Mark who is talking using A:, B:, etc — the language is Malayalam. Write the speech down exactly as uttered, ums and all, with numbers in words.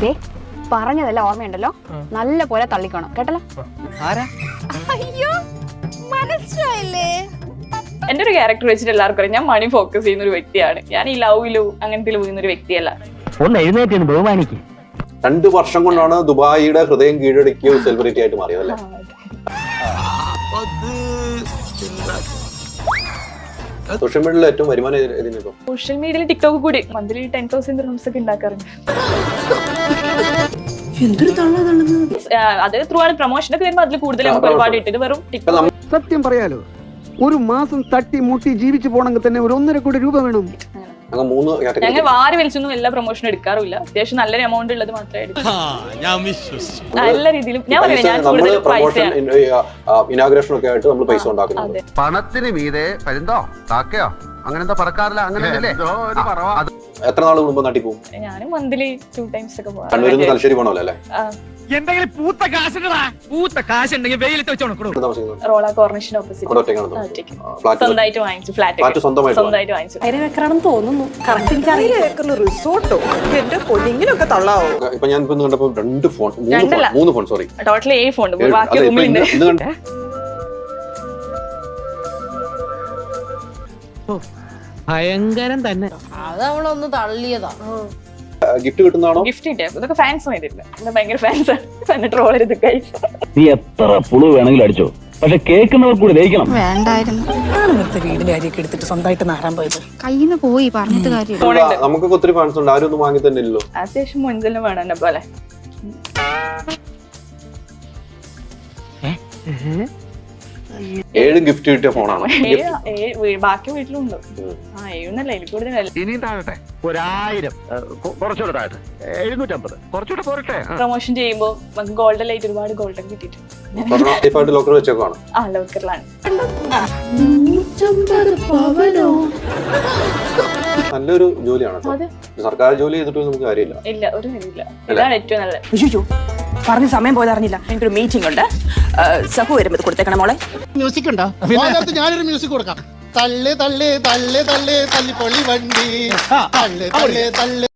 A: പറഞ്ഞതല്ല ഓർമ്മയുണ്ടല്ലോ, നല്ല പോലെ തള്ളിക്കണം കേട്ടല്ലോ.
B: അയ്യോ മനസ്സിലായില്ലേ?
C: എന്റെ ഒരു ക്യാരക്ടർ വെച്ചിട്ട് എല്ലാവർക്കും അറിയാം, ഞാൻ മണി ഫോക്കസ് ചെയ്യുന്ന ഒരു വ്യക്തിയാണ്. ഞാൻ ഈ ലവിലും അങ്ങനത്തെ വീഴുന്ന ഒരു വ്യക്തിയല്ല.
D: ഒന്ന് എഴുന്നേറ്റ് ബഹുമാനിക്ക്.
E: രണ്ടു വർഷം കൊണ്ടാണ് ദുബായിയുടെ ഹൃദയം കീഴടക്കിയ സെലിബ്രിറ്റി ആയിട്ട് മാറിയത് അല്ലേ? സോഷ്യൽ മീഡിയയിൽ ഏറ്റവും വരുമാനം ഏതിനിപ്പോ?
C: സോഷ്യൽ മീഡിയയിൽ ടിക്ടോക്ക് കൂടി മന്ത്ലി ടെൻ തൗസൻഡ് റൂംസ് ഒക്കെ ഉണ്ടാക്കാറുണ്ട്. അത് ത്രൂ ആണ് പ്രൊമോഷൻ ഒക്കെ വരുമ്പോൾ അതിൽ കൂടുതൽ നമുക്ക് ഒരുപാട് ഇട്ടിട്ട് വെറും ടിക്ടോക്ക്.
F: സത്യം പറയാലോ, ഒരു മാസം തട്ടി മുട്ടി ജീവിച്ചു പോണെങ്കിൽ തന്നെ ഒരു ഒന്നര കോടി രൂപ വേണം.
C: ഞങ്ങൾ വാരി വലിച്ചൊന്നും എല്ലാ പ്രൊമോഷനും എടുക്കാറില്ല. അത്യാവശ്യം നല്ലൊരു എമൗണ്ട് ഉള്ളത് മാത്രമേ എടുക്കൂ. നല്ല രീതിയിലും ഞാൻ
E: ഇനാഗ്രേഷൻ ഒക്കെ ആയിട്ട് നമ്മൾ പൈസ ഉണ്ടാക്കുന്നത്.
G: പണത്തിന് മീതെ പരുന്തോ കാക്കയോ അങ്ങനെ എന്താ പറക്കാറില്ല, അങ്ങനെ
E: എത്ര നാൾ കുടുംബം നാട്ടിൽ പോകും?
C: ഞാനും മന്ത്ലി ടു ടൈംസ് ഒക്കെ പോകാം.
E: കണ്ണൂരിൽ നിന്ന് തലശ്ശേരി പോകണമല്ലോ അല്ലേ?
D: എന്തെങ്കിലും പൂത്ത കാശുണ്ടടാ, പൂത്ത കാശുണ്ടെങ്കിൽ വെയിലത്ത് വെച്ചോണം.
C: റോള കോർണിഷിന് ഓപ്പോസിറ്റ് സ്വന്തമായിട്ട് വാങ്ങിച്ചു ഫ്ലാറ്റ്, സ്വന്തമായിട്ട് വാങ്ങിച്ചു.
B: അതിനെ വെക്കണമെന്ന് തോന്നുന്നു. കറക്റ്റ് റിസോർട്ടോ എന്റെ പൊടിങ്ങിനൊക്കെ തള്ളാവോ?
E: ഇപ്പൊ ഞാൻ ഇപ്പൊ കണ്ടപ്പോ രണ്ട് ഫോൺ, മൂന്ന് ഫോൺ, സോറി
C: ടോട്ടൽ ഏഴ് ഫോൺ ബാക്കി റൂമിലുണ്ട്.
D: ഭയങ്കരം തന്നെ.
B: അത് അവളൊന്ന് തള്ളിയതാ.
E: ഗിഫ്റ്റ് കിട്ടുന്നതാണോ?
C: ഗിഫ്റ്റ് കിട്ടിയ ഇതൊക്കെ ഫാൻസ് ചെയ്തിട്ടില്ല. എന്റെ ഭയങ്കര ഫാൻസ് ആണ്. ട്രോൾ ചെയ്ത് കഴിച്ചു.
D: നീ എത്ര പുളു വേണമെങ്കിലും അടിച്ചോ, പക്ഷെ കേൾക്കുന്നവർ കൂടി ദഹിക്കണം.
H: വേണ്ടായിരുന്നു.
B: വീടിന്റെ കാര്യമൊക്കെ എടുത്തിട്ട് സ്വന്തമായിട്ട് നാരാൻ പോയത്
H: കയ്യിന്ന് പോയി പറഞ്ഞിട്ട് കാര്യം.
E: നമുക്കൊക്കെ ഒത്തിരി ഫാൻസ് ഉണ്ട്, ആരും ഒന്നും വാങ്ങി തന്നെ ഇല്ലല്ലോ.
C: അത്യാവശ്യം മുൻകലിനും വേണം എന്നെ പോലെ.
E: ഏഴ് ഗിഫ്റ്റ് കിട്ടിയ ഫോണാണ്.
C: ബാക്കി വീട്ടിലുണ്ട്. ആ ഏഴുന്നല്ല, എനിക്ക് കൂടുതലല്ല.
D: ഇനിയും താഴട്ടെ, ഒരായിരം കുറച്ചുകൂടെ താഴട്ടെ, എഴുന്നൂറ്റമ്പത് കുറച്ചുകൂടെ പോരട്ടെ.
C: പ്രൊമോഷൻ ചെയ്യുമ്പോ നമുക്ക് ഗോൾഡൻ ലൈറ്റ് ഒരുപാട് ഗോൾഡൻ കിട്ടിയിട്ടുണ്ട്.
E: ലോക്കർ വെച്ചേക്കാണ്.
C: ആ ലോക്കറിലാണ്.
E: നല്ലൊരു ജോലിയാണ്. സർക്കാർ ജോലി ചെയ്തിട്ട് നമുക്ക് കാര്യമില്ല.
C: ഇല്ല, ഒരു കാര്യമില്ല. ഇതാണ് ഏറ്റവും നല്ലത്.
B: പറഞ്ഞ സമയം പോയത് അറിഞ്ഞില്ല. എനിക്കൊരു മീറ്റിംഗ് ഉണ്ട്. സഹു വരുമ്പോൾ കൊടുത്തേക്കണം മോളെ.
F: മ്യൂസിക് ഉണ്ടോ? ഞാനൊരു മ്യൂസിക് കൊടുക്കാം. തള്ളേ തള്ളേ തള്ളേ തള്ളേ തല്ലിപ്പൊളി വണ്ടി തള്ളേ തള്ളേ തള്ളേ